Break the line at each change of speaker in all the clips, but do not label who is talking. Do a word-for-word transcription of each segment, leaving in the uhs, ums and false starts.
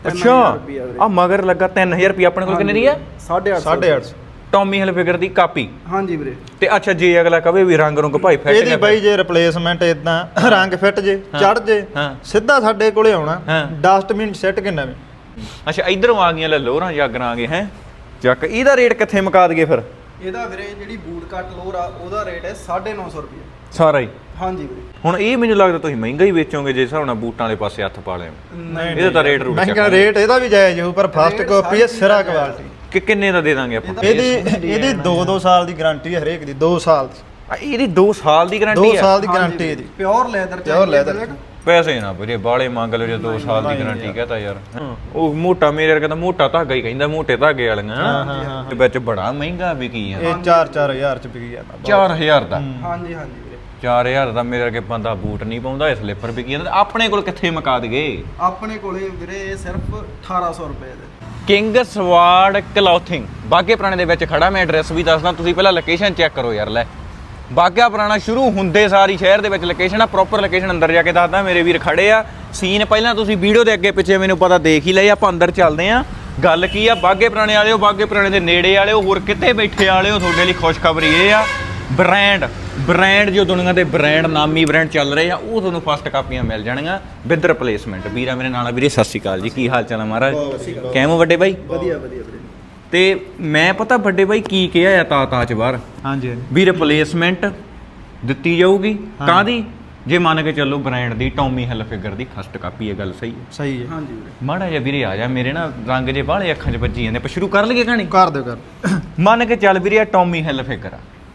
ਅੱਛਾ ਆ ਮਗਰ ਲੱਗਾ ਤਿੰਨ ਹਜ਼ਾਰ ਰੁਪਏ ਆਪਣੇ ਕੋਲ ਕਿੰਨੇ ਦੀ ਆ
ਸਾਢੇ ਅੱਠ ਸੌ
ਟੌਮੀ ਹਿਲਫਿਗਰ ਦੀ ਕਾਪੀ।
ਹਾਂਜੀ ਵੀਰੇ।
ਤੇ ਅੱਛਾ ਜੇ ਅਗਲਾ ਕਵੇ ਵੀ ਰੰਗ ਰੁੰਗ ਭਾਈ ਫਿੱਟ
ਇਹਦੀ ਬਾਈ ਜੇ ਰਿਪਲੇਸਮੈਂਟ ਇਦਾਂ ਰੰਗ ਫਿੱਟ ਜੇ ਚੜ ਜੇ ਸਿੱਧਾ ਸਾਡੇ ਕੋਲੇ ਆਉਣਾ ਡਸਟਬਿਨ ਸੈੱਟ ਕੇ ਨਵੇਂ।
ਅੱਛਾ ਇਧਰੋਂ ਆ ਗਈਆਂ ਲੈ ਲੋਰਾਂ ਜਾਗਰਾਂ ਆ ਗਏ ਹੈ ਚੱਕ। ਇਹਦਾ ਰੇਟ ਕਿੱਥੇ ਮੁਕਾ ਦਈਏ ਫਿਰ?
ਇਹਦਾ ਵੀਰੇ ਜਿਹੜੀ ਬੂਟ ਕੱਟ ਲੋਰ ਆ ਉਹਦਾ ਰੇਟ ਹੈ ਸਾਢੇ ਨੌ ਸੌ ਰੁਪਏ
ਸਾਰਾ ਹੀ।
ਹਾਂਜੀ ਵੀਰੇ।
ਹੁਣ ਇਹ ਮੈਨੂੰ ਲੱਗਦਾ ਤੁਸੀਂ ਮਹਿੰਗਾ ਹੀ ਵੇਚੋਗੇ ਜੇ ਹਿਸਾਬ ਨਾਲ ਬੂਟਾਂ ਵਾਲੇ ਪਾਸੇ ਹੱਥ ਪਾ ਲਿਆ।
ਨਹੀਂ
ਇਹਦਾ ਤਾਂ ਰੇਟ ਰੂਟ
ਮਹਿੰਗਾ ਰੇਟ ਇਹਦਾ ਵੀ ਜਾਇਜ਼ ਹੋਊ ਪਰ ਫਸਟ ਕਾਪੀ ਹੈ ਸਿਰਾ ਕੁਆਲਿਟੀ।
ਕਿ ਕਿੰਨੇ ਦਾ ਦੇ ਦਾਂਗੇ ਆਪਾਂ?
ਇਹਦੀ ਇਹਦੀ ਦੋ ਦੋ ਸਾਲ ਦੀ ਗਾਰੰਟੀ ਹੈ ਹਰੇਕ ਦੀ ਦੋ ਸਾਲ ਦੀ।
ਇਹਦੀ ਦੋ ਸਾਲ ਦੀ ਗਾਰੰਟੀ
ਦੋ
ਹੈ?
ਸਾਲ ਦੀ ਗਾਰੰਟੀ ਇਹਦੀ
ਪਿਓਰ ਲੈਦਰ।
Pure leather.
ਪੈਸੇ ਨਾ ਵੀਰੇ ਬਾਲੇ ਮੰਗ ਲਓ ਜੇ ਦੋ ਸਾਲ ਦੀ ਗਾਰੰਟੀ ਕਹਤਾ ਯਾਰ। ਉਹ ਮੋਟਾ ਮੇਰੇ ਵਰਗਾ ਤਾਂ ਮੋਟਾ ਧਾਗਾ ਹੀ ਕਹਿੰਦਾ ਮੋਟੇ ਧਾਗੇ ਵਾਲੀਆਂ ਹਾਂ ਤੇ ਵਿੱਚ ਬੜਾ ਮਹਿੰਗਾ ਵਿਕੀ ਆ।
ਇਹ ਚਾਰ ਚਾਰ ਹਜ਼ਾਰ ਚ ਵਿਕੀ ਜਾਂਦਾ।
ਚਾਰ ਹਜ਼ਾਰ ਦਾ?
ਹਾਂਜੀ ਹਾਂਜੀ ਵੀਰੇ।
ਚਾਰ ਹਜ਼ਾਰ ਦਾ ਮੇਰੇ ਵਰਗੇ ਬੰਦਾ ਬੂਟ ਨਹੀਂ ਪਾਉਂਦਾ ਇਹ ਸਲਿੱਪਰ ਵਿਕੀ ਜਾਂਦਾ। ਆਪਣੇ ਕੋਲ ਕਿੱਥੇ ਮੁਕਾ ਦਈਏ?
ਆਪਣੇ ਕੋਲੇ ਵੀਰੇ ਇਹ ਸਿਰਫ ਅਠਾਰਾਂ ਸੌ ਰੁਪਏ ਦੇ।
ਕਿੰਗ ਸਵਾਰਡ ਕਲੌਥਿੰਗ ਬਾਗੇ ਪੁਰਾਣੇ ਦੇ ਵਿੱਚ ਖੜਾ। ਮੈਂ ਐਡਰੈਸ ਵੀ ਦੱਸਦਾ ਤੁਸੀਂ ਪਹਿਲਾਂ ਲੋਕੇਸ਼ਨ ਚੈੱਕ ਕਰੋ ਯਾਰ। ਲੈ ਬਾਗਾ ਪੁਰਾਣਾ ਸ਼ੁਰੂ ਹੁੰਦੇ ਸਾਰੀ ਸ਼ਹਿਰ ਦੇ ਵਿੱਚ ਲੋਕੇਸ਼ਨ ਆ। ਪ੍ਰੋਪਰ ਲੋਕੇਸ਼ਨ ਅੰਦਰ ਜਾ ਕੇ ਦੱਸਦਾ। ਮੇਰੇ ਵੀਰ ਖੜੇ ਆ। ਸੀਨ ਪਹਿਲਾਂ ਤੁਸੀਂ ਵੀਡੀਓ ਦੇ ਅੱਗੇ ਪਿੱਛੇ ਮੈਨੂੰ ਪਤਾ ਦੇਖ ਹੀ ਲਈ। ਆਪਾਂ ਅੰਦਰ ਚੱਲਦੇ ਆ। ਗੱਲ ਕੀ ਆ ਬਾਗੇ ਪੁਰਾਣੇ ਵਾਲਿਓ ਬਾਗੇ ਪੁਰਾਣੇ ਦੇ ਨੇੜੇ ਵਾਲਿਓ ਹੋਰ ਕਿਤੇ ਬੈਠੇ ਵਾਲਿਓ ਤੁਹਾਡੇ ਲਈ ਖੁਸ਼ਖਬਰੀ ਇਹ ਆ ਬ੍ਰਾਂਡ ਬ੍ਰਾਂਡ ਜੋ ਦੁਨੀਆ ਦੇ ਬ੍ਰਾਂਡ ਨਾਮੀ ਬ੍ਰਾਂਡ ਚੱਲ ਰਹੇ ਆ ਉਹ ਤੁਹਾਨੂੰ ਫਸਟ ਕਾਪੀਆਂ ਮਿਲ ਜਾਣਗੀਆਂ ਵਿਦ ਰਿਪਲੇਸਮੈਂਟ। ਵੀਰਾ ਮੇਰੇ ਨਾਲ ਆ ਵੀਰੇ ਸਤਿ ਸ਼੍ਰੀ ਅਕਾਲ ਜੀ। ਕੀ ਹਾਲ ਚਾਲ ਆ ਮਹਾਰਾਜ? ਕਿਵੇਂ ਵੱਡੇ ਬਾਈ?
ਵਧੀਆ ਵਧੀਆ ਵੀਰੇ।
ਤੇ ਮੈਂ ਪਤਾ ਵੱਡੇ ਬਾਈ ਕੀ ਕਿਹਾ ਆ ਤਾ ਤਾ ਚ ਬਾਹਰ
ਹਾਂਜੀ
ਵੀ ਰਿਪਲੇਸਮੈਂਟ ਦਿੱਤੀ ਜਾਊਗੀ ਕਾਹਦੀ? ਜੇ ਮੰਨ ਕੇ ਚੱਲੋ ਬ੍ਰਾਂਡ ਦੀ ਟੌਮੀ ਹਿਲਫਿਗਰ ਦੀ ਫਸਟ ਕਾਪੀ ਹੈ। ਗੱਲ ਸਹੀ ਹੈ?
ਸਹੀ ਹੈ।
ਹਾਂਜੀ ਵੀਰੇ।
ਮਾੜਾ ਜਿਹਾ ਵੀਰੇ ਆ ਜਾ ਮੇਰੇ ਨਾ ਰੰਗ ਜੇ ਬਾਹਲੇ ਅੱਖਾਂ 'ਚ ਵੱਜੀ ਜਾਂਦੇ। ਆਪਾਂ ਸ਼ੁਰੂ ਕਰ ਲਈਏ ਕਹਾਣੀ?
ਕਰ ਦਿਓ ਕਰ।
ਮੰਨ ਕੇ ਚੱਲ ਵੀਰੇ ਟੌਮੀ ਹਿਲਫਿਗਰ ਆ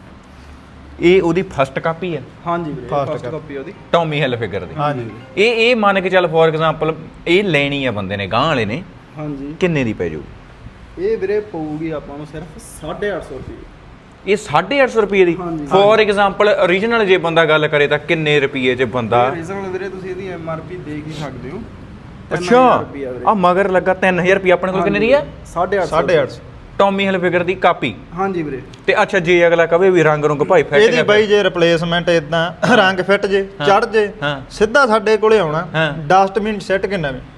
ਇਹ ਉਹਦੀ ਫਸਟ ਕਾਪੀ ਹੈ।
ਹਾਂਜੀ ਵੀਰੇ
First
ਫਸਟ ਕਾਪੀ ਉਹਦੀ
ਟੌਮੀ ਹਿਲਫਿਗਰ ਦੀ।
ਹਾਂਜੀ
ਇਹ ਇਹ ਮੰਨ ਕੇ ਚੱਲ ਫੋਰ ਐਗਜ਼ਾਮਪਲ ਇਹ ਲੈਣੀ ਆ ਬੰਦੇ ਨੇ ਗਾਂ ਵਾਲੇ ਨੇ
ਹਾਂਜੀ
ਕਿੰਨੇ ਦੀ ਪੈ ਜਾਊ?
ਇਹ ਵੀਰੇ ਪਊਗੀ ਆਪਾਂ ਨੂੰ ਸਿਰਫ ਸਾਢੇ ਅੱਠ ਸੌ ਰੁਪਏ।
ਇਹ ਸਾਢੇ ਅੱਠ ਸੌ ਰੁਪਏ ਦੀ ਫੋਰ ਐਗਜ਼ਾਮਪਲ ਓਰੀਜਨਲ ਜੇ ਬੰਦਾ ਗੱਲ ਕਰੇ ਤਾਂ ਕਿੰਨੇ ਰੁਪਏ 'ਚ ਬੰਦਾ?
ਓਰੀਜਨਲ ਵੀਰੇ ਤੁਸੀਂ ਇਹਦੀ ਐਮ ਆਰ ਪੀ ਦੇਖ ਹੀ ਸਕਦੇ ਹੋ।
ਅੱਛਾ ਆ ਮਗਰ ਲੱਗਾ ਤਿੰਨ ਹਜ਼ਾਰ ਰੁਪਏ ਆਪਣੇ ਕੋਲ ਕਿੰਨੇ ਦੀ ਆ?
ਸਾਢੇ ਅੱਠ
ਸਾਢੇ ਅੱਠ ਸੌ
ਟੌਮੀ ਹਿਲਫਿਗਰ ਦੀ ਕਾਪੀ।
ਹਾਂਜੀ ਵੀਰੇ।
ਤੇ ਅੱਛਾ ਜੇ ਅਗਲਾ ਕਵੇ ਵੀ ਰੰਗ ਰੁੰਗ ਭਾਈ ਫਿੱਟ
ਇਹਦੀ ਬਾਈ ਜੇ ਰਿਪਲੇਸਮੈਂਟ ਇਦਾਂ ਰੰਗ ਫਿੱਟ ਜੇ ਚੜ ਜੇ ਸਿੱਧਾ ਸਾਡੇ ਕੋਲੇ ਆਉਣਾ ਡਸਟਬਿਨ ਸੈੱਟ ਕੇ ਨਵੇਂ।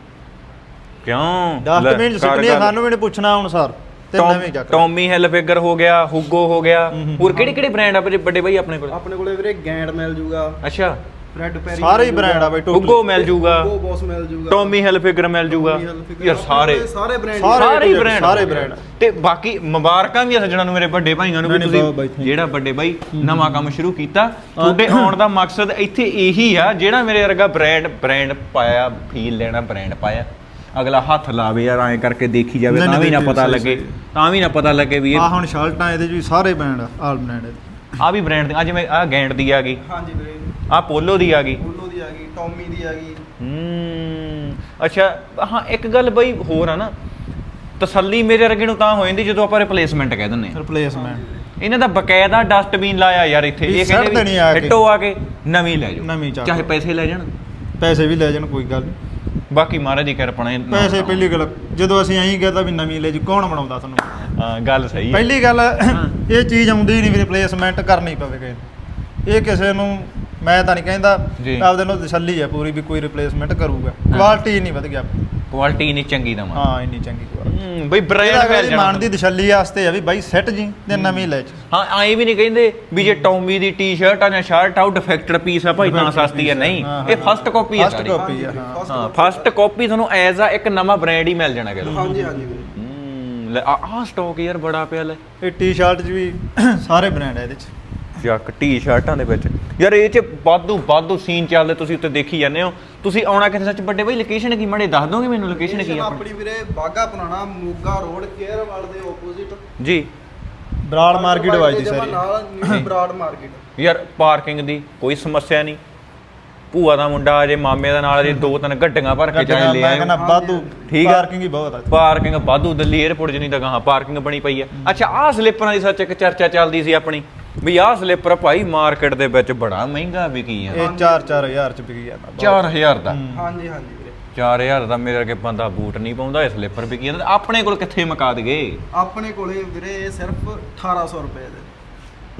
ਕਿਉਂ?
ਡਸਟਬਿਨ ਸਿੱਟਣੀ ਸਾਨੂੰ ਵੀ ਨਹੀਂ ਪੁੱਛਣਾ ਹੁਣ ਸਰ ਤੇ ਨਵੇਂ ਚੱਕ।
ਟੌਮੀ ਹਿਲਫਿਗਰ ਹੋ ਗਿਆ ਹੁਗੋ ਹੋ ਗਿਆ ਹੋਰ ਕਿਹੜੇ ਕਿਹੜੇ ਬ੍ਰਾਂਡ ਆ ਵੱਡੇ ਬਾਈ ਆਪਣੇ ਕੋਲ?
ਆਪਣੇ ਕੋਲੇ ਵੀਰੇ ਗੈਂਡ ਮਿਲ ਜੂਗਾ।
ਅੱਛਾ
ਰੈਡ ਪੈਰੀ
ਸਾਰੇ ਹੀ ਬ੍ਰਾਂਡ ਆ ਬਾਈ ਟੋਟਲ।
ਹੁਗੋ ਮਿਲ ਜੂਗਾ
ਹੁਗੋ ਬੌਸ ਮਿਲ ਜੂਗਾ
ਟੌਮੀ ਹਿਲਫਿਗਰ ਮਿਲ ਜੂਗਾ ਯਾਰ ਸਾਰੇ
ਸਾਰੇ ਬ੍ਰਾਂਡ
ਸਾਰੇ ਹੀ ਬ੍ਰਾਂਡ
ਸਾਰੇ ਬ੍ਰਾਂਡ।
ਤੇ ਬਾਕੀ ਮੁਬਾਰਕਾਂ ਵੀ ਆ ਸੱਜਣਾ ਨੂੰ ਮੇਰੇ ਵੱਡੇ ਭਾਈਆਂ ਨੂੰ ਵੀ ਤੁਸੀਂ ਜਿਹੜਾ ਵੱਡੇ ਬਾਈ ਨਵਾਂ ਕੰਮ ਸ਼ੁਰੂ ਕੀਤਾ ਤੁਹਾਡੇ ਆਉਣ ਦਾ ਮਕਸਦ ਇੱਥੇ ਇਹੀ ਆ ਜਿਹੜਾ ਮੇਰੇ ਵਰਗਾ ਬ੍ਰਾਂਡ ਬ੍ਰਾਂਡ ਪਾਇਆ ਫੀਲ ਲੈਣਾ ਬ੍ਰਾਂਡ ਪਾਇਆ ਅਗਲਾ ਹੱਥ ਲਾਵੇ ਯਾਰ ਐਂ ਕਰਕੇ ਦੇਖੀ ਜਾਵੇ ਤਾਂ ਵੀ ਨਾ ਪਤਾ ਲੱਗੇ ਤਾਂ ਵੀ ਨਾ ਪਤਾ ਲੱਗੇ ਵੀ
ਆ ਹੁਣ ਸ਼ਰਟਾਂ ਇਹਦੇ ਚ ਵੀ ਸਾਰੇ ਬ੍ਰਾਂਡ ਆਲ ਬ੍ਰਾਂਡ
ਆ ਵੀ ਬ੍ਰਾਂਡ ਅੱਜ ਮੈਂ ਆ ਗੈਂਡ ਦੀ ਆ ਗਈ।
ਹਾਂਜੀ ਵੀਰੇ।
ਆ ਪੋਲੋ ਦੀ ਆ ਗਈ।
ਪੋਲੋ ਦੀ ਆ ਗਈ ਟੌਮੀ ਦੀ ਆ ਗਈ।
ਹੂੰ ਅੱਛਾ ਹਾਂ ਇੱਕ ਗੱਲ ਬਈ ਹੋਰ ਆ ਨਾ ਤਸੱਲੀ ਮੇਰੇ ਵਰਗੇ ਨੂੰ ਤਾਂ ਹੋ ਜਾਂਦੀ ਜਦੋਂ ਆਪਾਂ ਰਿਪਲੇਸਮੈਂਟ ਕਹਿ ਦਿੰਦੇ ਆ।
ਰਿਪਲੇਸਮੈਂਟ
ਇਹਨਾਂ ਦਾ ਬਕਾਇਦਾ ਡਸਟਬਿਨ ਲਾਇਆ ਯਾਰ ਇੱਥੇ ਇਹ ਕਹਿੰਦੇ ਵੀ ਹਿੱਟੋ ਆ ਕੇ ਨਵੀਂ ਲੈ ਜਾਓ
ਨਵੀਂ
ਚਾਹੇ ਪੈਸੇ ਲੈ ਜਾਣ
ਪੈਸੇ ਵੀ ਲੈ ਜਾਣ ਕੋਈ ਗੱਲ ਨਹੀਂ।
ਬਾਕੀ ਮਹਾਰਾਜ ਦੀ ਕਿਰਪਾ ਨਾਲ
ਪੈਸੇ ਪਹਿਲੀ ਗੱਲ ਜਦੋਂ ਅਸੀਂ ਐਂ ਕਹਿੰਦਾ ਵੀ ਨਵੀਂ ਲੈ ਜੀ ਕੌਣ ਬਣਾਉਂਦਾ ਤੁਹਾਨੂੰ?
ਹਾਂ ਗੱਲ ਸਹੀ ਹੈ।
ਪਹਿਲੀ ਗੱਲ ਇਹ ਚੀਜ਼ ਆਉਂਦੀ ਨਹੀਂ ਵੀ ਰਿਪਲੇਸਮੈਂਟ ਕਰਨੀ ਪਵੇ। ਇਹ ਕਿਸੇ ਨੂੰ ਮੈਂ ਤਾਂ ਨਹੀਂ ਕਹਿੰਦਾ ਆਪਦੇ ਨੂੰ ਤਸੱਲੀ ਹੈ ਪੂਰੀ ਵੀ ਕੋਈ ਰਿਪਲੇਸਮੈਂਟ ਕਰੂਗਾ। ਕੁਆਲਿਟੀ ਨਹੀਂ ਵਧ ਗਿਆ
ਕੁਆਲਿਟੀ ਨਹੀਂ ਚੰਗੀ ਦਵਾਂ।
ਹਾਂ ਇੰਨੀ ਚੰਗੀ ਕੁਆਲਿਟੀ
ਬਈ ਬ੍ਰਾਂਡ ਫੈਲ ਜਾਣਾ
ਮਾਨ ਦੀ ਤਸੱਲੀ ਵਾਸਤੇ ਆ ਵੀ ਬਾਈ ਸੈੱਟ ਜੀ ਤੇ ਨਵੀਂ ਲੈ ਚ।
ਹਾਂ ਐਂ ਵੀ ਨਹੀਂ ਕਹਿੰਦੇ ਵੀ ਜੇ ਟੌਮੀ ਦੀ ਟੀ-ਸ਼ਰਟ ਆ ਜਾਂ ਸ਼ਰਟ ਆ ਡਿਫੈਕਟਡ ਪੀਸ ਆ ਭਾਈ ਤਾਂ ਸਸਤੀ ਆ ਨਹੀਂ ਇਹ ਫਸਟ ਕਾਪੀ ਆ
ਫਸਟ ਕਾਪੀ ਆ
ਹਾਂ ਫਸਟ ਕਾਪੀ ਤੁਹਾਨੂੰ ਐਜ਼ ਆ ਇੱਕ ਨਵਾਂ ਬ੍ਰਾਂਡ ਹੀ ਮਿਲ ਜਾਣਾ ਕਿਲੋ।
ਹਾਂਜੀ ਹਾਂਜੀ ਵੀਰੇ।
ਹੂੰ ਲੈ ਆਹ ਸਟਾਕ ਯਾਰ ਬੜਾ ਪਿਆ ਲੈ
ਇਹ ਟੀ-ਸ਼ਰਟ ਚ ਵੀ ਸਾਰੇ ਬ੍ਰਾਂਡ ਆ ਇਹਦੇ ਚ।
ਚੱਕ ਟੀ-ਸ਼ਰਟਾਂ ਦੇ ਵਿੱਚ ਯਾਰ ਇਹ ਚ ਵਾਧੂ ਵਾਧੂ ਸੀਨ ਚੱਲਦੇ ਤੁਸੀਂ ਉੱਤੇ ਦੇਖੀ ਜਾਂਦੇ ਹੋ। ਤੁਸੀਂ ਆਉਣਾ ਕਿੱਥੇ ਸੱਚ ਵੱਡੇ ਬਾਈ ਲੋਕੇਸ਼ਨ ਕੀ ਮੜੇ ਦੱਸ ਦੋਗੇ ਮੈਨੂੰ ਲੋਕੇਸ਼ਨ ਕੀ ਆ
ਆਪਣੀ ਵੀਰੇ ਬਾਗਾ ਪੁਰਾਣਾ ਮੋਗਾ ਰੋਡ ਕੇਅਰਵਾਲ ਦੇ ਆਪੋਜ਼ਿਟ
ਜੀ
ਬਰਾੜ ਮਾਰਕੀਟ ਵਾਜਦੀ ਸਾਰੀ
ਨਾਲ ਨਿਊ ਬਰਾੜ ਮਾਰਕੀਟ।
ਯਾਰ ਪਾਰਕਿੰਗ ਦੀ ਕੋਈ ਸਮੱਸਿਆ ਨਹੀਂ। ਭੂਆ ਦਾ ਮੁੰਡਾ ਅਜੇ ਮਾਮੇ ਦਾ ਨਾਲ ਅਜੇ ਦੋ ਤਿੰਨ ਗੱਡੀਆਂ ਭਰ ਕੇ ਚਾਹੇ ਲੈ ਆਏ
ਵਾਧੂ
ਠੀਕ ਆ
ਪਾਰਕਿੰਗ ਹੀ ਬਹੁਤ ਆ
ਪਾਰਕਿੰਗ ਵਾਧੂ ਦਿੱਲੀ 에ਅਰਪੋਰਟ ਜਿੰਨੀ ਤਾਂ ਗਾਹਾਂ ਪਾਰਕਿੰਗ ਬਣੀ ਪਈ ਆ। ਅੱਛਾ ਆਹ ਸਲਿੱਪਰਾਂ ਦੀ ਸੱਚ ਇੱਕ ਚਰਚਾ ਚੱਲਦੀ ਸੀ ਆਪਣੀ ਵੀ ਆਹ ਸਲਿੱਪਰ ਭਾਈ ਮਾਰਕੀਟ ਦੇ ਵਿੱਚ ਬੜਾ ਮਹਿੰਗਾ ਵਿਕੀ ਆ।
ਇਹ ਚਾਰ ਚਾਰ ਹਜ਼ਾਰ ਚ ਵਿਕੀ ਜਾਂਦਾ।
ਚਾਰ ਹਜ਼ਾਰ ਦਾ?
ਹਾਂਜੀ ਹਾਂਜੀ ਵੀਰੇ।
ਚਾਰ ਹਜ਼ਾਰ ਦਾ ਮੇਰੇ ਵਰਗੇ ਬੰਦਾ ਬੂਟ ਨਹੀਂ ਪਾਉਂਦਾ ਇਹ ਸਲਿੱਪਰ ਵਿਕੀ ਜਾਂਦਾ। ਆਪਣੇ ਕੋਲ ਕਿੱਥੇ ਮੁਕਾ ਦਈਏ?
ਆਪਣੇ ਕੋਲੇ ਵੀਰੇ ਇਹ ਸਿਰਫ ਅਠਾਰਾਂ ਸੌ ਰੁਪਏ ਦੇ।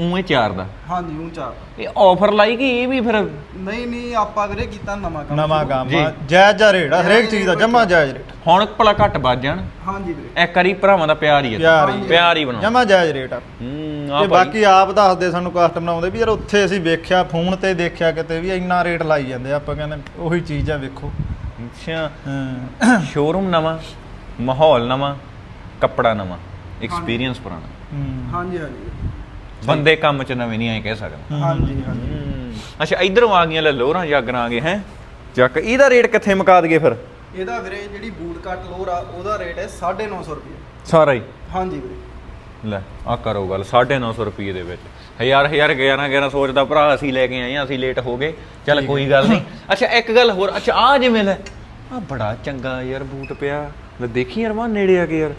ਉਵੇਂ ਚਾਰ ਦਾ
ਹਾਂਜੀ ਉਹ ਚਾਰ
ਇਹ ਆਫਰ ਲਾਈ ਕਿ ਇਹ ਵੀ ਫਿਰ
ਨਹੀਂ ਨਹੀਂ ਆਪਾਂ ਵੀਰੇ ਕੀਤਾ ਨਵਾਂ ਕੰਮ
ਨਵਾਂ
ਸ਼ੁਰੂ।
ਕੰਮ
ਜੀ।
ਆ, ਜਾਇਜ਼ ਜਾ ਰੇਟ ਆ ਹਰੇਕ ਚੀਜ਼ ਦਾ ਜਮਾ ਜਾਇਜ਼ ਰੇਟ
ਹੁਣ ਭਲਾ ਘੱਟ ਵੱਜ ਜਾਣ
ਹਾਂਜੀ ਵੀਰੇ
ਇੱਕ ਵਾਰੀ ਭਰਾਵਾਂ ਦਾ ਪਿਆਰ ਹੀ ਹੈ
ਪਿਆਰ ਹੀ
ਪਿਆਰ ਹੀ ਬਣਾਉਣਾ
ਜਮਾ ਜਾਇਜ਼ ਰੇਟ ਆ
ਹੂੰ
ਤੇ
ਆ
ਬਾਕੀ ਆਪ ਦੱਸਦੇ ਸਾਨੂੰ ਕਸਟਮਰ ਆਉਂਦੇ ਵੀ ਯਾਰ ਉੱਥੇ ਅਸੀਂ ਵੇਖਿਆ ਫੋਨ ਤੇ ਦੇਖਿਆ ਕਿਤੇ ਵੀ ਇੰਨਾ ਰੇਟ ਲਾਈ ਜਾਂਦੇ ਆ। ਆਪਾਂ ਕਹਿੰਦੇ ਉਹੀ ਚੀਜ਼ ਆ ਵੇਖੋ।
ਅੱਛਾ
ਹਾਂ
ਸ਼ੋਰੂਮ ਨਵਾਂ ਮਾਹੌਲ ਨਵਾਂ ਕੱਪੜਾ ਨਵਾਂ ਐਕਸਪੀਰੀਅੰਸ ਪੁਰਾਣਾ
ਹੂੰ।
ਹਾਂਜੀ ਹਾਂਜੀ
ਬੰਦੇ ਕੰਮ ਚ ਨਵੇਂ ਨਹੀਂ ਆਏ ਕਹਿ ਸਕਦਾ
ਹਾਂਜੀ ਹਾਂਜੀ
ਹੂੰ। ਅੱਛਾ ਇਧਰੋਂ ਆ ਗਈਆਂ ਲੈ ਲੋਰਾਂ ਜਾਗਰਾਂ ਆ ਗਏ ਹੈ ਚੱਕ ਇਹਦਾ ਰੇਟ ਕਿੱਥੇ ਮੁਕਾ ਦਈਏ ਫਿਰ
ਇਹਦਾ ਵੀਰੇ ਜਿਹੜੀ ਬੂਟ ਕੱਟ ਲੋਰ ਆ ਉਹਦਾ ਰੇਟ ਹੈ ਸਾਢੇ ਨੌ ਸੌ ਰੁਪਏ
ਸਾਰਾ ਹੀ
ਹਾਂਜੀ ਵੀਰੇ
ਲੈ ਆ ਕਰੋ ਗੱਲ ਸਾਢੇ ਨੌ ਸੌ ਰੁਪਏ ਦੇ ਵਿੱਚ ਹਜ਼ਾਰ ਹਜ਼ਾਰ ਗਿਆਰਾਂ ਗਿਆਰਾਂ ਸੋਚਦਾ ਭਰਾ ਅਸੀਂ ਲੈ ਕੇ ਆਏ ਆ ਅਸੀਂ ਲੇਟ ਹੋ ਗਏ ਚੱਲ ਕੋਈ ਗੱਲ ਨਹੀਂ ਅੱਛਾ ਇੱਕ ਗੱਲ ਹੋਰ ਅੱਛਾ ਆ ਜਿਵੇਂ ਲੈ ਆ ਬੜਾ ਚੰਗਾ ਯਾਰ ਬੂਟ ਪਿਆ ਲੈ ਦੇਖੀ ਯਾਰ ਵਾ ਨੇੜੇ ਆ ਕੇ ਯਾਰ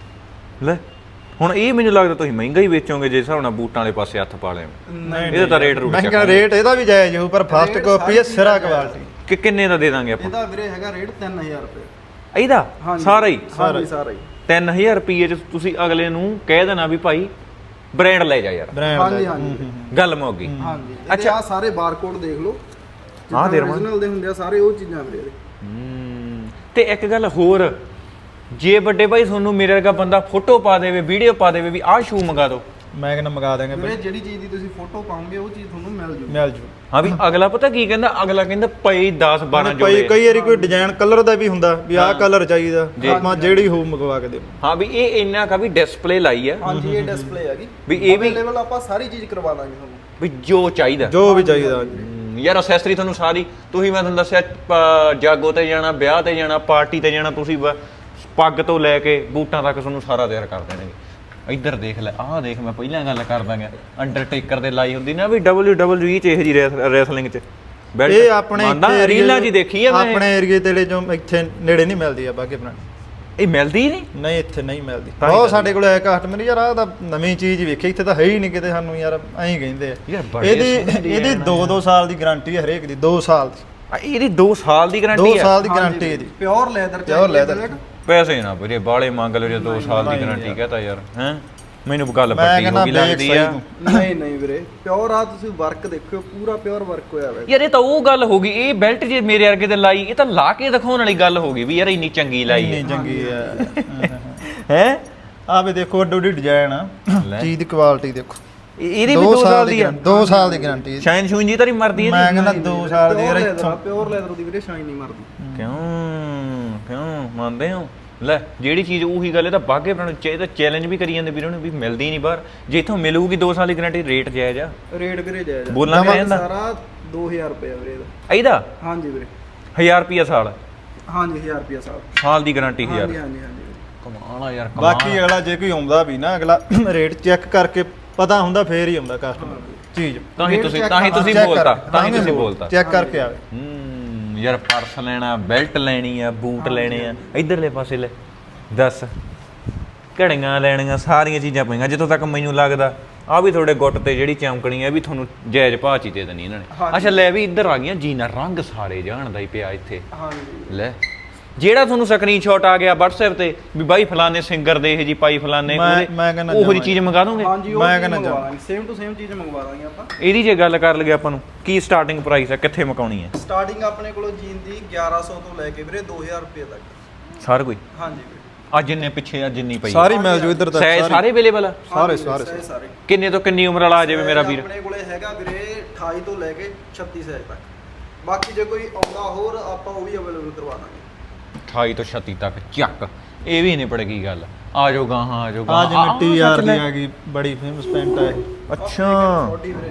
ਲੈ ਹੁਣ ਇਹ ਮੈਨੂੰ ਲੱਗਦਾ ਤੁਸੀਂ ਮਹਿੰਗਾ ਹੀ ਵੇਚੋਗੇ ਜੇ ਹਿਸਾਬ ਨਾਲ ਬੂਟਾਂ ਵਾਲੇ ਪਾਸੇ ਹੱਥ ਪਾ ਲਿਆ
ਨਹੀਂ
ਇਹਦਾ ਤਾਂ ਰੇਟ ਰੂਟ
ਮਹਿੰਗਾ ਰੇਟ ਇਹਦਾ ਵੀ ਜਾਇਜ਼ ਹੋ ਪਰ ਫਸਟ ਕਾਪੀ ਹੈ ਸਿਰਾ ਕੁਆਲਿਟੀ।
ਕਿ ਕਿੰਨੇ ਦਾ ਦੇ ਦਾਂਗੇ ਆਪਾਂ
ਇਹਦਾ ਵੀਰੇ ਹੈਗਾ ਰੇਟ ਤਿੰਨ ਹਜ਼ਾਰ ਰੁਪਏ
ਇਹਦਾ
ਹਾਂਜੀ।
ਸਾਰਾ ਹੀ
ਹਾਂਜੀ ਸਾਰਾ ਹੀ
ਤਿੰਨ ਹਜ਼ਾਰ ਰੁਪਏ ਚ ਤੁਸੀਂ ਅਗਲੇ ਨੂੰ ਕਹਿ ਦੇਣਾ ਵੀ ਭਾਈ ਬ੍ਰਾਂਡ ਲੈ ਜਾ ਯਾਰ
ਬ੍ਰਾਂਡ
ਹਾਂਜੀ ਹਾਂਜੀ
ਗੱਲ ਮੁੱਕ ਗਈ
ਹਾਂਜੀ
ਅੱਛਾ।
ਅੱਛਾ ਆ ਸਾਰੇ ਬਾਰਕੋਡ ਦੇਖ ਲਓ
ਆਹ ਦੇ ਰਵਾਂ।
original ਦੇ ਹੁੰਦੇ ਆ ਸਾਰੇ ਉਹ ਚੀਜ਼ਾਂ ਵੀਰੇ ਇਹਦੇ।
ਹੂੰ ਤੇ ਇੱਕ ਗੱਲ ਹੋਰ ਜੇ ਵੱਡੇ ਭਾਈ ਤੁਹਾਨੂੰ ਮੇਰੇ ਵਰਗਾ ਬੰਦਾ ਫੋਟੋ ਪਾ ਦੇਵੇ ਵੀਡੀਓ ਪਾ ਦੇਵੇ ਵੀ ਆਹ ਸ਼ੂ ਮੰਗਾ ਦਿਓ
ਮੈਂ ਕਹਿੰਦਾ ਮੰਗਾ ਦਾਂਗੇ
ਵੀਰੇ ਜਿਹੜੀ ਚੀਜ਼ ਦੀ ਤੁਸੀਂ ਫੋਟੋ ਪਾਉਂਗੇ ਉਹ ਚੀਜ਼ ਤੁਹਾਨੂੰ ਮਿਲ ਜੂ
ਮਿਲ ਜੂ।
ਹਾਂ ਵੀ ਅਗਲਾ ਪਤਾ ਕੀ ਕਹਿੰਦਾ ਅਗਲਾ ਕਹਿੰਦਾ ਪਈ ਦਸ ਬਾਰਾਂ
ਭਾਈ
ਜੋੜੇ
ਕਈ ਵਾਰੀ ਕੋਈ ਡਿਜ਼ਾਈਨ ਕਲਰ ਦਾ ਵੀ ਹੁੰਦਾ ਵੀ ਆਹ ਕਲਰ ਚਾਹੀਦਾ
ਜੀ।
ਆਪਾਂ ਜਿਹੜੀ ਹੋ ਮੰਗਵਾ ਕੇ ਦੇ।
ਹਾਂ ਵੀ ਇਹ ਇੰਨਾ ਕਾ ਵੀ ਡਿਸਪਲੇ ਲਾਈ ਆ
ਹਾਂਜੀ ਇਹ ਡਿਸਪਲੇ ਹੈਗੀ
ਵੀ ਇਹ ਵੀ-
ਲੈਵਲ ਆਪਾਂ ਸਾਰੀ ਚੀਜ਼ ਕਰਵਾ ਦਾਂਗੇ ਤੁਹਾਨੂੰ
ਵੀ ਜੋ ਚਾਹੀਦਾ
ਜੋ ਵੀ ਚਾਹੀਦਾ
ਹਮ, ਯਾਰ ਅਸੈਸਰੀ ਤੁਹਾਨੂੰ ਸਾਰੀ ਤੁਸੀਂ ਮੈਂ ਤੁਹਾਨੂੰ ਦੱਸਿਆ ਪ- ਜਾਗੋ ਤੇ ਜਾਣਾ ਵਿਆਹ ਤੇ ਜਾਣਾ ਪਾਰਟੀ ਤੇ ਜਾਣਾ ਤੁਸੀਂ ਬ- ਪੱਗ ਤੋਂ ਲੈ ਕੇ ਬੂਟਾਂ ਤੱਕ ਤੁਹਾਨੂੰ ਸਾਰਾ ਤਿਆਰ ਕਰ ਦੇਣਗੇ ਇੱਧਰ ਦੇਖ ਲੈ ਆਹ ਦੇਖ ਮੈਂ ਪਹਿਲਾਂ ਗੱਲ ਕਰ ਦਾਂਗਾ ਅੰਡਰਟੇਕਰ ਦੇ ਲਾਈ ਹੁੰਦੀ ਨਾ ਵੀ ਡਬਲਯੂ ਡਬਲਯੂ ਈ ਚ ਇਹੋ ਜੀ ਰੈਸਲਿੰਗ ਚ belt।
ਇਹ ਆਪਣੇ
ਮੰਨਦਾ,
ਇੱਥੇ
ਰੀਲਾਂ ਜੀ ਦੇਖੀ ਆ ਮੈਂ
ਆਪਣੇ ਏਰੀਏ ਤੇ ਜੋ ਇੱਥੇ ਨੇੜੇ ਨਹੀਂ ਮਿਲਦੀ ਆ ਬਾਕੀ ਬ੍ਰਾਂਡ
ਇਹ ਮਿਲਦੀ ਨਹੀਂ
ਨਹੀਂ ਇੱਥੇ ਨਹੀਂ ਮਿਲਦੀ
ਤਾਂ ਹੀ
ਬਹੁਤ
ਤਾਂ
ਸਾਡੇ ਕੋਲ ਆਇਆ ਕਸਟਮਰ ਯਾਰ ਆਹ ਤਾਂ ਨਵੀਂ ਚੀਜ਼ ਵੇਖੀ ਇੱਥੇ ਤਾਂ ਹੈ ਹੀ ਨਹੀਂ ਕਿਤੇ ਸਾਨੂੰ ਯਾਰ ਐਂ ਕਹਿੰਦੇ ਆ
ਯਾਰ ਬੜੇ
ਇਹਦੀ
ਸੋਹਣੇ
ਇਹਦੀ
design
ਦੋ ਦੋ ਸਾਲ ਦੀ ਗਾਰੰਟੀ ਹੈ ਹਰੇਕ ਦੀ ਦੋ ਸਾਲ ਦੀ
ਆ, ਇਹਦੀ ਦੋ ਸਾਲ ਦੀ
ਦੋ
ਗਾਰੰਟੀ ਆ
ਸਾਲ ਦੀ ਗਾਰੰਟੀ ਇਹਦੀ
ਪਿਓਰ ਲੈਦਰ
Pure leather।
ਪੈਸੇ ਨਾ ਵੀਰੇ ਬਾਲੇ ਮੰਗ ਲਓ ਜੇ ਦੋ ਸਾਲ ਦੀ
ਨਹੀਂ
ਗਾਰੰਟੀ
ਯਾਰ।
ਕਹਤਾ ਯਾਰ ਹੈ ਮੈਨੂੰ ਗੱਲ
ਮੈਂ
ਵੱਡੀ
ਕਹਿੰਦਾ
ਹੋ ਗਈ
ਵੇਖ
ਲੱਗਦੀ
ਸਹੀ
ਆ
ਤੂੰ।
ਨਹੀਂ ਨਹੀਂ ਵੀਰੇ ਪਿਓਰ ਆ ਤੁਸੀਂ ਵਰਕ ਦੇਖਿਓ ਪੂਰਾ ਪਿਓਰ ਵਰਕ ਹੋਇਆ ਹੋਇਆ
ਯਾਰ ਇਹ ਤਾਂ ਉਹ ਗੱਲ ਹੋ ਗਈ ਇਹ ਬੈਲਟ ਜੇ ਮੇਰੇ ਵਰਗੇ ਤੇ ਲਾਈ ਇਹ ਤਾਂ ਲਾ ਕੇ ਦਿਖਾਉਣ ਵਾਲੀ ਗੱਲ ਹੋ ਗਈ ਵੀ ਯਾਰ ਇੰਨੀ ਚੰਗੀ ਲਾਈ
ਇੰਨੀ
ਹੈ
ਚੰਗੀ ਹੈ
ਹੈ
ਆ ਵੀ ਦੇਖੋ ਅੱਡੋ ਅੱਡੀ ਡਿਜ਼ਾਈਨ ਆ
ਲੈ।
ਚੀਜ਼ ਦੀ ਕੁਆਲਿਟੀ ਦੇਖੋ
ਇਹਦੀ ਵੀ ਦੋ ਸਾਲ ਦੀ ਆ
guarantee, ਦੋ ਸਾਲ ਦੀ ਗਾਰੰਟੀ
ਸ਼ਾਈਨ ਸ਼ੂਨ ਜੀ ਤਾਂ ਨਹੀਂ ਮਰਦੀ
ਮੈਂ
ਇਹਦੀ
ਕਹਿੰਦਾ ਦੋ ਸਾਲ ਦੀ ਯਾਰ ਇੱਥੋਂ
ਪਿਓਰ ਲੈਦਰ ਦੀ ਵੀਰੇ ਸ਼ਾਈਨ ਨਹੀਂ ਮਰਦੀ
ਕਿਉਂ ਕਿਉਂ ਮੰਨਦੇ ਹੋ ਲੈ ਜਿਹੜੀ ਚੀਜ਼ ਉਹੀ ਗੱਲ ਇਹ ਤਾਂ ਬਾਗੇ ਬਣਾਉਣ ਚਾਹੀਏ ਤਾਂ ਚੈਲੰਜ ਵੀ ਕਰੀ ਜਾਂਦੇ ਵੀਰਾਂ ਨੂੰ ਵੀ ਮਿਲਦੀ ਨਹੀਂ ਬਾਹਰ ਜੇ ਇਥੋਂ ਮਿਲੂਗੀ ਦੋ ਸਾਲ ਦੀ ਗਾਰੰਟੀ ਰੇਟ ਜਾਇਜ਼ ਆ
ਰੇਟ ਵੀਰੇ ਜਾਇਜ਼ ਆ।
ਬੋਲਣਾ ਕਿਆ ਜਾਂਦਾ?
ਸਾਰਾ ਦੋ ਹਜ਼ਾਰ ਰੁਪਏ ਵੀਰੇ ਇਹਦਾ
ਇਹਦਾ
ਹਾਂਜੀ ਵੀਰੇ
ਹਜ਼ਾਰ ਰੁਪਿਆ ਸਾਲ
ਹਾਂਜੀ ਹਜ਼ਾਰ ਰੁਪਏ ਸਾਲ
ਸਾਲ ਦੀ ਗਾਰੰਟੀ ਹਜ਼ਾਰ
ਹਾਂਜੀ ਹਾਂਜੀ ਹਾਂਜੀ
ਕਮਾਲ ਆ ਯਾਰ ਕਮਾਲ
ਬਾਕੀ ਅਗਲਾ ਜੇ ਕੋਈ ਆਉਂਦਾ ਵੀ ਨਾ ਅਗਲਾ ਰੇਟ ਚੈੱਕ ਕਰਕੇ ਪਤਾ ਹੁੰਦਾ ਫੇਰ ਹੀ ਆਉਂਦਾ ਕਸਟਮਰ ਚੀਜ਼
ਤਾਂ ਹੀ
rate
ਤੁਸੀਂ
check
ਤਾਂ ਹੀ ਤੁਸੀਂ
check
ਬੋਲਤਾ
ਕਰ-
ਤਾਂ ਹੀ
ਵੀ
ਤੁਸੀਂ
ਬੋਲ-
ਬੋਲਤਾ
ਚੈੱਕ ਕਰਕੇ ਆਵੇ
ਹੂੰ ਯਾਰ ਪਰਸ ਲੈਣਾ ਬੈਲਟ ਲੈਣੀ ਆ ਬੂਟ ਲੈਣੇ ਆ ਇਧਰਲੇ ਪਾਸੇ ਲੈ ਦੱਸ ਘੜੀਆਂ ਲੈਣੀਆਂ ਸਾਰੀਆਂ ਚੀਜ਼ਾਂ ਪਈਆਂ ਜਿੱਥੋਂ ਤੱਕ ਮੈਨੂੰ ਲੱਗਦਾ ਆ ਵੀ ਤੁਹਾਡੇ ਗੁੱਟ ਤੇ ਜਿਹੜੀ ਚਮਕਣੀ ਆ ਵੀ ਤੁਹਾਨੂੰ ਜਾਇਜ਼ ਭਾਅ 'ਚ ਹੀ ਦੇ ਦੇਣੀ ਇਹਨਾਂ ਨੇ
ਹਾਂਜੀ।
ਅੱਛਾ ਲੈ ਵੀ ਇੱਧਰ ਆ ਗਈਆਂ ਜੀਨਾ ਰੰਗ ਸਾਰੇ ਜਾਣਦਾ ਹੀ ਪਿਆ ਇੱਥੇ
ਹਾਂਜੀ
ਲੈ ਜਿਹੜਾ ਤੁਹਾਨੂੰ ਸਕਰੀਨਸ਼ਾਟ ਆ ਗਿਆ WhatsApp ਤੇ ਵੀ ਬਾਈ ਫਲਾਣੇ ਸਿੰਗਰ ਦੇ ਇਹ ਜੀ ਪਾਈ ਫਲਾਣੇ
ਮੈਂ- ਮੈਂ ਕਹਿੰਦਾ
ਉਹੋ ਜੀ
ਜਮਾਂ
ਚੀਜ਼ ਮੰਗਾ ਦੋਗੇ
ਹਾਂਜੀ ਉਹ
ਮੈਂ
ਚੀਜ਼
ਕਹਿੰਦਾ
ਮੰਗਵਾ ਦਾਂਗੇ ਸੇਮ ਟੂ ਸੇਮ ਚੀਜ਼ ਮੰਗਵਾ ਦਾਂਗੇ ਆਪਾਂ
ਇਹਦੀ ਜੇ ਗੱਲ ਕਰ ਲਈਏ ਆਪਾਂ ਨੂੰ ਕੀ ਸਟਾਰਟਿੰਗ ਪ੍ਰਾਈਸ ਆ ਕਿੱਥੇ ਮੁਕਾਉਣੀ ਹੈ
ਸਟਾਰਟਿੰਗ ਆਪਣੇ ਕੋਲੋਂ ਜੀਨ ਦੀ ਗਿਆਰਾਂ ਸੌ ਤੋਂ ਲੈ ਕੇ ਵੀਰੇ ਦੋ ਹਜ਼ਾਰ ਰੁਪਏ ਤੱਕ
ਸਾਰ ਕੋਈ
ਹਾਂਜੀ ਵੀਰੇ
ਆ ਜਿੰਨੇ ਪਿੱਛੇ ਆ ਜਿੰਨੀ ਪਈ
ਸਾਰੀ ਮਿਲ ਜੂ ਇੱਧਰ ਤੱਕ
ਸਾਈਜ਼
ਸਾਰੀ।
ਸਾਰੇ ਅਵੇਲੇਬਲ ਆ
ਸਾਰੇ
ਹਾਂਜੀ
ਸਾਰੇ
ਵੀਰੇ, ਸਾਰੇ
ਕਿੰਨੇ ਤੋਂ ਕਿੰਨੀ ਉਮਰ ਵਾਲਾ ਆ ਜਾਵੇ ਮੇਰਾ ਵੀਰ
ਆਪਣੇ ਕੋਲੇ ਹੈਗਾ ਵੀਰੇ ਅਠਾਈ ਤੋਂ ਲੈ ਕੇ ਛੱਤੀ ਸਾਈਜ਼ ਤੱਕ ਬਾਕੀ ਜੇ ਕੋਈ ਆਉਂਦਾ ਹੋਰ ਆਪਾਂ ਉਹ ਵੀ ਅਵੇਲੇਬਲ ਕਰਵਾ ਦਾਂਗੇ
ਅਠਾਈ ਤੋਂ ਛੱਤੀ ਤੱਕ ਚੱਕ ਇਹ ਵੀ ਨਹੀਂ ਪੜੇਗੀ ਗੱਲ ਆ ਜਾਓ ਗਾਹਾਂ ਆ ਜਾਓ
ਆ
ਗਾਹਾਂ
ਜਿਵੇਂ
ਆਹ
ਟੀ ਆਰ
ਸੱਚ
ਦੀ
ਲੈ।
ਆ ਗਈ ਬੜੀ ਫੇਮਸ ਪੈਂਟ ਆ ਇਹ
ਅੱਛਾ
ਛੋਟੀ ਵੀਰੇ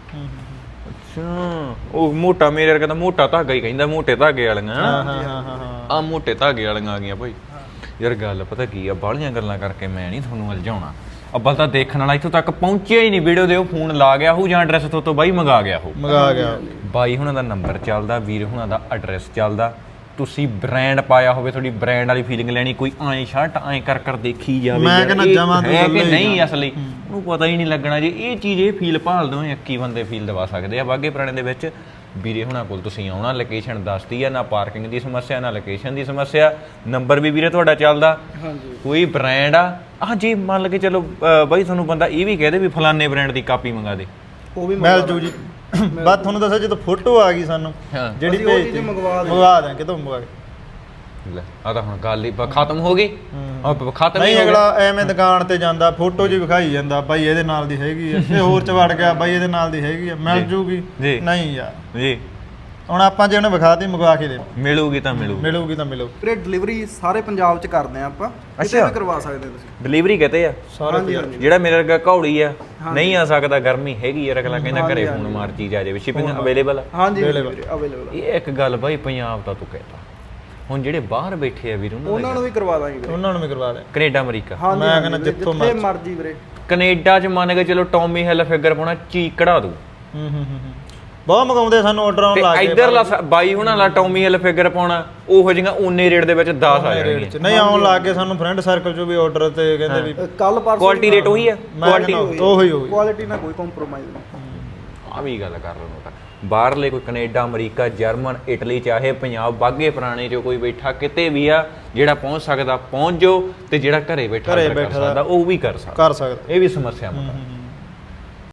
ਅੱਛਾ ਉਹ ਮੋਟਾ ਮੇਰੇ ਵਰਗਾ ਤਾਂ ਮੋਟਾ ਧਾਗਾ ਹੀ ਕਹਿੰਦਾ ਮੋਟੇ ਧਾਗੇ ਵਾਲੀਆਂ
ਹਾਂ ਹਾਂ ਹਾਂ ਹਾਂ ਹਾਂ
ਆ ਮੋਟੇ ਧਾਗੇ ਵਾਲੀਆਂ ਆ ਗਈਆਂ ਭਾਈ ਯਾਰ ਗੱਲ ਪਤਾ ਕੀ ਆ ਬਾਹਲੀਆਂ ਗੱਲਾਂ ਕਰਕੇ ਮੈਂ ਨਹੀਂ ਤੁਹਾਨੂੰ ਅਲਝਾਉਣਾ ਅੱਬਲ ਤਾਂ ਦੇਖਣ ਵਾਲਾ ਇੱਥੋਂ ਤੱਕ ਪਹੁੰਚਿਆ ਹੀ ਨਹੀਂ ਵੀਡੀਓ ਦੇ ਉਹ ਫੋਨ ਲਾ ਗਿਆ ਹੋ ਜਾਂ ਐਡਰੈਸ ਤੋਂ ਤੋਂ ਬਾਈ ਮੰਗਾ ਗਿਆ ਹੋ
ਮੰਗਾ ਗਿਆ
ਬਾਈ ਹੁਣਾਂ ਦਾ ਨੰਬਰ ਚੱਲਦਾ ਵੀਰ ਹੁਣਾਂ ਦਾ ਐਡਰੈਸ ਚੱਲਦਾ ਤੁਸੀਂ ਬ੍ਰਾਂਡ ਪਾਇਆ ਹੋਵੇ ਤੁਹਾਡੀ ਬ੍ਰਾਂਡ ਵਾਲੀ ਫੀਲਿੰਗ ਲੈਣੀ ਕੋਈ ਐਂ ਸ਼ਰਟ ਐਂ ਕਰ ਕਰ ਦੇਖੀ ਜਾਵੇ
ਮੈਂ
ਯਾਰ,
ਕਹਿੰਦਾ
ਇਹ
ਜਮਾਂ ਤੋਂ
ਹੈ
ਗੱਲ
ਕਿ
ਹੀ
ਨਹੀਂ
ਨਾ।
ਅਸਲੀ ਉਹਨੂੰ ਪਤਾ ਹੀ ਨਹੀਂ ਲੱਗਣਾ ਜੇ ਇਹ ਚੀਜ਼ ਇਹ ਫੀਲ ਭਾਲਦੇ ਹੋ ਇੱਕੀ ਬੰਦੇ ਫੀਲ ਦਵਾ ਸਕਦੇ ਆ ਬਾਗੇ ਪੁਰਾਣੇ ਦੇ ਵਿੱਚ ਵੀਰੇ ਹੁਣਾਂ ਕੋਲ ਤੁਸੀਂ ਆਉਣਾ, ਲੋਕੇਸ਼ਨ ਦੱਸਦੀ ਆ, ਨਾ ਪਾਰਕਿੰਗ ਦੀ ਸਮੱਸਿਆ ਨਾ ਲੋਕੇਸ਼ਨ ਦੀ ਸਮੱਸਿਆ, ਨੰਬਰ ਵੀ ਵੀਰੇ ਤੁਹਾਡਾ ਚੱਲਦਾ।
ਹਾਂਜੀ
ਕੋਈ ਬ੍ਰਾਂਡ ਆ ਆ ਜੇ ਮੰਨ ਕੇ ਚਲੋ ਅ, ਬਾਈ ਤੁਹਾਨੂੰ ਬੰਦਾ ਇਹ ਵੀ ਕਹਦੇ ਵੀ ਫਲਾਣੇ ਬ੍ਰਾਂਡ ਦੀ ਕਾਪੀ ਮੰਗਾ ਦੇ,
ਉਹ ਵੀ
ਮਿਲ ਜੂ ਜੀ। ਬਸ ਤੁਹਾਨੂੰ ਦੱਸਿਆ ਜਦੋਂ ਫੋਟੋ ਆ ਗਈ ਸਾਨੂੰ
ਹਾਂ
ਜਿਹੜੀ
ਅਸੀਂ ਉਹ
ਭੇਜਤੀ
ਚੀਜ਼ ਮੰਗਵਾ ਦੇ
ਮੰਗਵਾ ਦਾਂ ਕਿਤੋਂ ਮੰਗਵਾ ਕੇ।
ਲੈ ਆ ਤਾਂ ਹੁਣ ਗੱਲ ਹੀ ਬ- ਖਤਮ ਹੋ ਗਈ। ਆ ਖਤਮ ਹੀ
ਨਹੀਂ
ਹੋ
ਅਗਲਾ
ਗਿਆ।
ਐਵੇਂ ਦੁਕਾਨ ਤੇ ਜਾਂਦਾ ਫੋਟੋ ਜੀ ਵਿਖਾਈ ਜਾਂਦਾ ਬਾਈ ਇਹਦੇ ਨਾਲ ਦੀ ਹੈਗੀ ਆ, ਇਹ ਹੋਰ ਚ ਵੜ ਗਿਆ ਬਾਈ ਇਹਦੇ ਨਾਲ ਦੀ ਹੈਗੀ ਆ, ਮਿਲ
ਜੀ।
ਜੂਗੀ
ਜੀ।
ਨਹੀਂ ਯਾਰ
ਜੀ
ਹੁਣ ਆਪਾਂ ਜੇ ਉਹਨੇ ਵਿਖਾਤੀ ਮੰਗਵਾ ਕੇ ਦੇ
ਮਿਲੂਗੀ ਤਾਂ ਮਿਲੂ।
ਮਿਲੂਗੀ ਤਾਂ ਮਿਲੂ।
ਵੀਰੇ ਡਿਲੀਵਰੀ ਸਾਰੇ ਪੰਜਾਬ 'ਚ ਕਰਦੇ ਆ ਆਪਾਂ, ਕਿਤੇ
ਅੱਛਾ।
ਵੀ ਕਰਵਾ ਸਕਦੇ ਤੁਸੀਂ।
ਡਿਲੀਵਰੀ ਕਹਤੇ ਆ
ਸਾਰੇ
ਹਾਂਜੀ,
ਪੰਜਾਬ।
ਹਾਂਜੀ।
ਜਿਹੜਾ ਮੇਰੇ ਵਰਗਾ ਘੌੜੀ ਆ ਨਹੀਂ ਆ ਸਕਦਾ, ਗਰਮੀ ਹੈਗੀ ਯਾਰ, ਅਗਲਾ ਕਹਿੰਦਾ ਘਰੇ
ਹਾਂਜੀ,
ਫੋਨ ਮਾਰ ਚੀਜ਼ ਆ ਜਾਵੇ, ਸ਼ਿਪਿੰਗ ਅਵੇਲੇਬਲ ਆ।
ਹਾਂਜੀ
Available।
ਵੀਰੇ ਅਵੇਲੇਬਲ
ਇਹ ਇੱਕ ਗੱਲ ਬਾਈ ਪੰਜਾਬ ਦਾ ਤੂੰ ਕਹਿਤਾ, ਹੁਣ ਜਿਹੜੇ ਬਾਹਰ ਬੈਠੇ ਆ ਵੀਰ ਉਹਨਾਂ
ਉਹਨਾਂ ਨੂੰ
ਦਾ
ਵੀ ਕਰਵਾ ਦਾਂਗੇ ਵੀਰੇ।
ਉਹਨਾਂ ਨੂੰ ਵੀ ਕਰਵਾ ਦੇ।
ਕੈਨੇਡਾ ਅਮਰੀਕਾ
ਹਾਂਜੀ
ਮੈਂ
ਹਾਂਜੀ
ਕਹਿੰਦਾ
ਵੀਰੇ,
ਜਿੱਥੋਂ
ਜਿੱਥੇ
ਮਰਜ਼ੀ।
ਮਰਜ਼ੀ ਵੀਰੇ।
ਕੈਨੇਡਾ ਚ ਮੰਨ ਕੇ ਚਲੋ ਟੌਮੀ ਹਿਲ ਫਿਗਰ ਪਾਉਣਾ ਚੀਕ ਕਢਾ ਦੂ,
ਹੂੰ ਹੂੰ ਹੂੰ ਬਹੁਤ ਮੰਗਾਉਂਦੇ ਸਾਨੂੰ ਆਰਡਰ ਆਉਣ
ਤੇ
ਲੱਗ ਗਏ।
ਇਧਰਲਾ ਬਾਈ ਹੁਣਾਂ ਲਾ ਟੌਮੀ ਹਿਲ ਫਿਗਰ ਪਾਉਣਾ ਉਹੋ ਜਿਹੀਆਂ ਓਨੇ ਰੇਟ ਦੇ ਵਿੱਚ ਦਸ ਆ ਜਾਣਗੀਆਂ।
ਨਹੀਂ ਆਉਣ ਲੱਗ ਗਏ ਸਾਨੂੰ ਫਰੈਂਡ ਸਰਕਲ ਚੋਂ ਵੀ ਆਰਡਰ ਤੇ ਕਹਿੰਦੇ ਵੀ
ਕੱਲ ਪਰਸੋਂ
ਕੁਆਲਿਟੀ ਰੇਟ ਉਹੀ ਆ,
ਮੈਂ
ਕੁਆਲਿਟੀ
ਕਹਿੰਦਾ ਉਹੀ ਹੋਈ।
ਕੁਆਲਿਟੀ ਨਾਲ ਕੋਈ ਕੰਪਰੋਮਾਈਜ਼ ਨਹੀਂ।
ਆ ਵੀ ਗੱਲ ਕਰ ਲਓ ਤਾਂ ਬਾਹਰਲੇ ਕੋਈ ਕੈਨੇਡਾ ਅਮਰੀਕਾ ਜਰਮਨ ਇਟਲੀ ਚਾਹੇ ਪੰਜਾਬ ਬਾਗੇ ਪੁਰਾਣੇ ਚ ਕੋਈ ਬੈਠਾ ਕਿਤੇ ਵੀ ਆ ਜਿਹੜਾ ਪਹੁੰਚ ਸਕਦਾ ਪਹੁੰਚ ਜਾਓ, ਤੇ ਜਿਹੜਾ ਘਰੇ ਬੈਠਾ
ਘਰੇ
order ਕਰ
ਬੈਠਾ
ਸਕਦਾ ਉਹ ਵੀ ਕਰ ਸਕਦਾ।
ਕਰ ਸਕਦਾ।
ਇਹ ਵੀ ਸਮੱਸਿਆ ਮਤ